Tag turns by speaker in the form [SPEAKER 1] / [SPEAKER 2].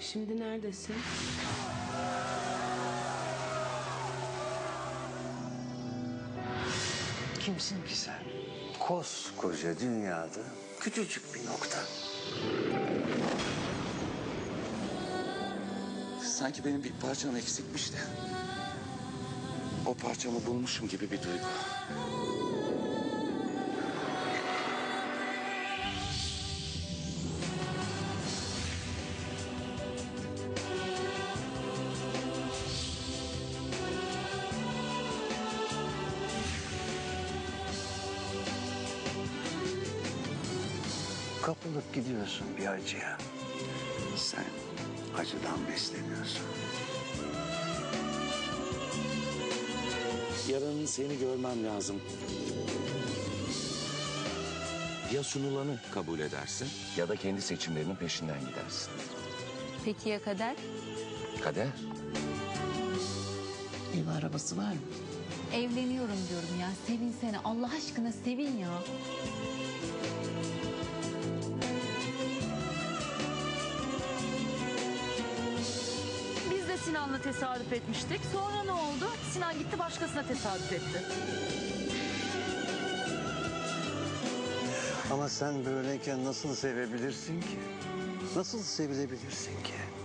[SPEAKER 1] Şimdi neredesin?
[SPEAKER 2] Kimsin ki sen? Koskoca dünyada küçücük bir nokta. Sanki benim bir parçam eksikmiş de o parçamı bulmuşum gibi bir duygu. Kapılıp gidiyorsun bir acıya. Sen acıdan besleniyorsun. Yarın seni görmem lazım. Ya sunulanı kabul edersin ya da kendi seçimlerinin peşinden gidersin.
[SPEAKER 3] Peki ya kader?
[SPEAKER 2] Kader.
[SPEAKER 1] Ev arabası var mı?
[SPEAKER 3] Evleniyorum diyorum ya. Sevinsene. Allah aşkına sevin ya.
[SPEAKER 4] Biz de Sinan'la tesadüf etmiştik. Sonra ne oldu? Sinan gitti başkasına tesadüf etti.
[SPEAKER 2] Ama sen böyleyken nasıl sevebilirsin ki? Nasıl sevilebilirsin ki?